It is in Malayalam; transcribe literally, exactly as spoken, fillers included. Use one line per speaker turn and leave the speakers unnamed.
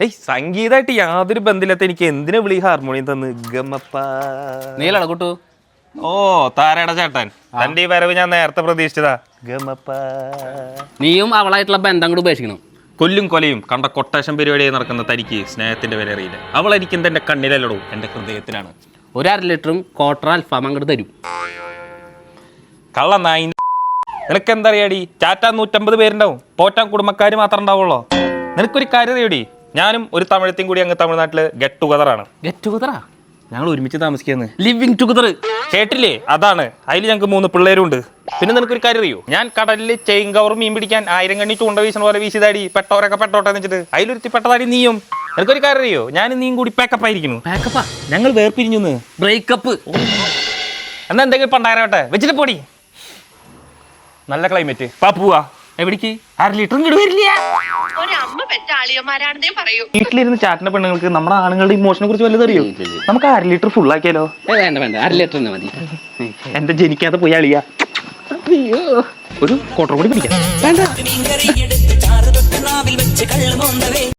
ഏയ് സംഗീതമായിട്ട് യാതൊരു ബന്ധമില്ലാത്ത എനിക്ക് എന്തിനാ വിളി ഹാർമോണിയം തന്ന് ഗമപ്പ
നീലട കൂട്ടു.
ഓ താരയുടെ ചേട്ടൻ തന്റെ ഈ വരവ് ഞാൻ നേരത്തെ പ്രതീക്ഷിച്ചതാ. ഗമപ്പ
നീയും അവളായിട്ടുള്ള ബന്ധം കൂടെ ഉപേക്ഷിക്കണം.
കൊല്ലും കൊലയും കണ്ട കൊട്ടേഷൻ പരിപാടിയായി നടക്കുന്ന തനിക്ക് സ്നേഹത്തിന്റെ വില അറിയില്ല. അവളായിരിക്കും എന്റെ കണ്ണിലല്ലടോ, എന്റെ ഹൃദയത്തിലാണ്.
ഒരു അര ലിറ്ററും ക്വാർട്ടർ അൽഫാം അങ്ങോട്ട് തരും.
കള്ള നായി നിനക്ക് എന്താ അറിയാടി? ചാറ്റാൻ നൂറ്റമ്പത് പേരുണ്ടാവും, പോറ്റാൻ കുടുംബക്കാർ മാത്രം ഉണ്ടാവുള്ളോ? നിനക്കൊരു കാര്യം അറിയാടി, ഞാനും ഒരു തമിഴത്തെയും കൂടി അങ്ങ് തമിഴ്നാട്ടില് ഗെറ്റ് ടുഗദറാണ്.
ഗെറ്റ് ടുഗദറാ?
ഞങ്ങൾ ഒരുമിച്ച് താമസിക്കുന്നത്.
ലിവിങ് ടുഗദർ
കേട്ടില്ലേ? അതാണ്. അതിൽ ഞങ്ങൾക്ക് മൂന്ന് പിള്ളേരും ഉണ്ട്. പിന്നെ നിനക്കൊരു കാര്യം അറിയോ? ഞാൻ കടലിൽ ചെയിൻ കവർ മീൻ പിടിക്കാൻ ആയിരം കണ്ണി ചൂണ്ട വീശണ പോലെ വീശിതാടി പെട്ടവരൊക്കെ പെട്ടോട്ടെ എന്ന് വെച്ചിട്ട് അതിലൊരുത്തി പെട്ടതാടി നീയും. നിനക്കൊരു കാര്യം അറിയോ? ഞാൻ നീയും കൂടി പാക്കപ്പ് ആയിരിക്കുന്നു.
പാക്കപ്പാ?
ഞങ്ങൾ വേർപിരിഞ്ഞു.
ബ്രേക്കപ്പ്.
എന്നാ എന്തെങ്കിലും പണ്ടായിരവട്ടെ വെച്ചിട്ട് പോടി. നല്ല ക്ലൈമറ്റ്. പാപ്പുവാ എവിടേക്ക്? അര ലിറ്ററും കിട വരില്ല. വീട്ടിലിരുന്ന് ചാറ്റിന്റെ പെണ്ണുങ്ങൾക്ക് നമ്മുടെ ആണുങ്ങളുടെ ഇമോഷനെ കുറിച്ച് വല്ലതും അറിയോ? നമുക്ക് അര ലിറ്റർ ഫുൾ ആക്കിയാലോ?
വേണ്ട വേണ്ട, അര ലിറ്റർ തന്നെ മതി.
എന്റെ ജനിക്കാതെ പോയി അളിയ. ഒരു ക്വാർട്ടർ കൂടി പിടിക്കാം.